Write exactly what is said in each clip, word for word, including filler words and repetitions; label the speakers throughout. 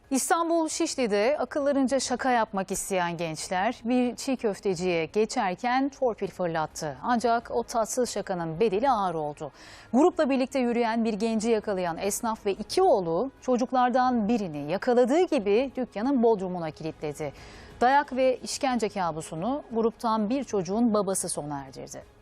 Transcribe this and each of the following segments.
Speaker 1: İstanbul Şişli'de akıllarınca şaka yapmak isteyen gençler bir çiğ köfteciye geçerken torpil fırlattı. Ancak o tatsız şakanın bedeli ağır oldu. Grupla birlikte yürüyen bir genci yakalayan esnaf ve iki oğlu çocuklardan birini yakaladığı gibi dükkanın bodrumuna kilitledi. Dayak ve işkence kabusunu gruptan bir çocuğun babası sona erdirdi.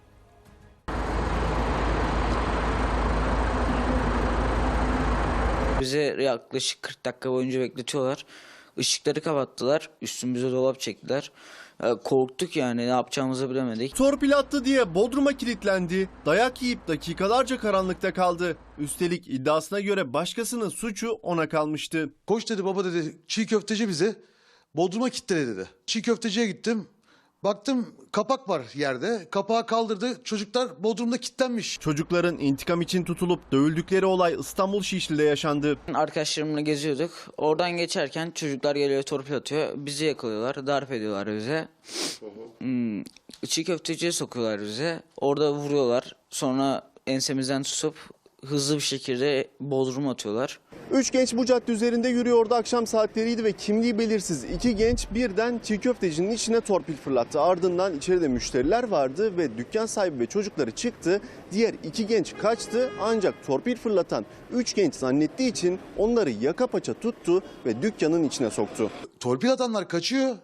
Speaker 2: Bize yaklaşık kırk dakika boyunca bekletiyorlar. Işıkları kapattılar. Üstümüze dolap çektiler. Korktuk yani, ne yapacağımızı bilemedik.
Speaker 3: Torpil attı diye bodruma kilitlendi. Dayak yiyip dakikalarca karanlıkta kaldı. Üstelik iddiasına göre başkasının suçu ona kalmıştı.
Speaker 4: Koş dedi, baba dedi, çiğ köfteci bizi bodruma kilitledi dedi. Çiğ köfteciye gittim. Baktım kapak var yerde. Kapağı kaldırdı. Çocuklar bodrumda kilitlenmiş.
Speaker 3: Çocukların intikam için tutulup dövüldükleri olay İstanbul Şişli'de yaşandı.
Speaker 2: Arkadaşlarımla geziyorduk. Oradan geçerken çocuklar geliyor, torpil atıyor. Bizi yakalıyorlar, darp ediyorlar bize. Hmm, çiğ köfteciye sokuyorlar bize. Orada vuruyorlar. Sonra ensemizden tutup hızlı bir şekilde bodrum atıyorlar.
Speaker 3: Üç genç bu cadde üzerinde yürüyordu, akşam saatleriydi ve kimliği belirsiz iki genç birden çiğ köftecinin içine torpil fırlattı. Ardından içeride müşteriler vardı ve dükkan sahibi ve çocukları çıktı. Diğer iki genç kaçtı, ancak torpil fırlatan üç genç zannettiği için onları yaka paça tuttu ve dükkanın içine soktu.
Speaker 4: Torpil atanlar kaçıyor.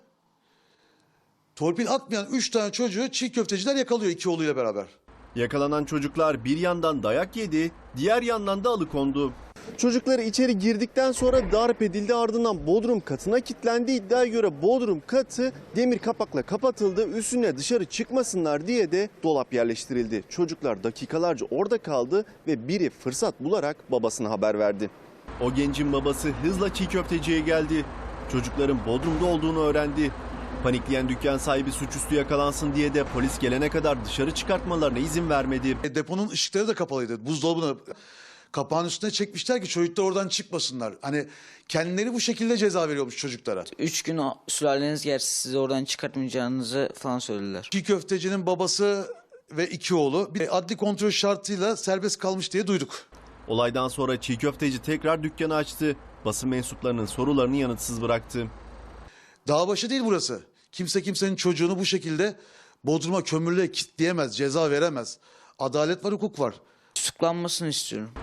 Speaker 4: Torpil atmayan üç tane çocuğu çiğ köfteciler yakalıyor iki oğluyla beraber.
Speaker 3: Yakalanan çocuklar bir yandan dayak yedi, diğer yandan da alıkondu. Çocukları içeri girdikten sonra darp edildi, ardından bodrum katına kilitlendi. İddiaya göre bodrum katı demir kapakla kapatıldı. Üstüne dışarı çıkmasınlar diye de dolap yerleştirildi. Çocuklar dakikalarca orada kaldı ve biri fırsat bularak babasına haber verdi. O gencin babası hızla çiğ köfteciye geldi. Çocukların bodrumda olduğunu öğrendi. Panikleyen dükkan sahibi suçüstü yakalansın diye de polis gelene kadar dışarı çıkartmalarına izin vermedi.
Speaker 4: E, deponun ışıkları da kapalıydı. Buzdolabını kapağın üstüne çekmişler ki çocuklar oradan çıkmasınlar. Hani kendileri bu şekilde ceza veriyormuş çocuklara.
Speaker 2: Üç gün o sülaleniz gelse sizi oradan çıkartmayacağınızı falan söylediler.
Speaker 4: Çiğ köftecinin babası ve iki oğlu bir adli kontrol şartıyla serbest kalmış diye duyduk.
Speaker 3: Olaydan sonra çiğ köfteci tekrar dükkanı açtı. Basın mensuplarının sorularını yanıtsız bıraktı.
Speaker 4: Dağ başı değil burası. Kimse kimsenin çocuğunu bu şekilde bodruma kömürle kilitleyemez, ceza veremez. Adalet var, hukuk var.
Speaker 2: Tutuklanmasını istiyorum.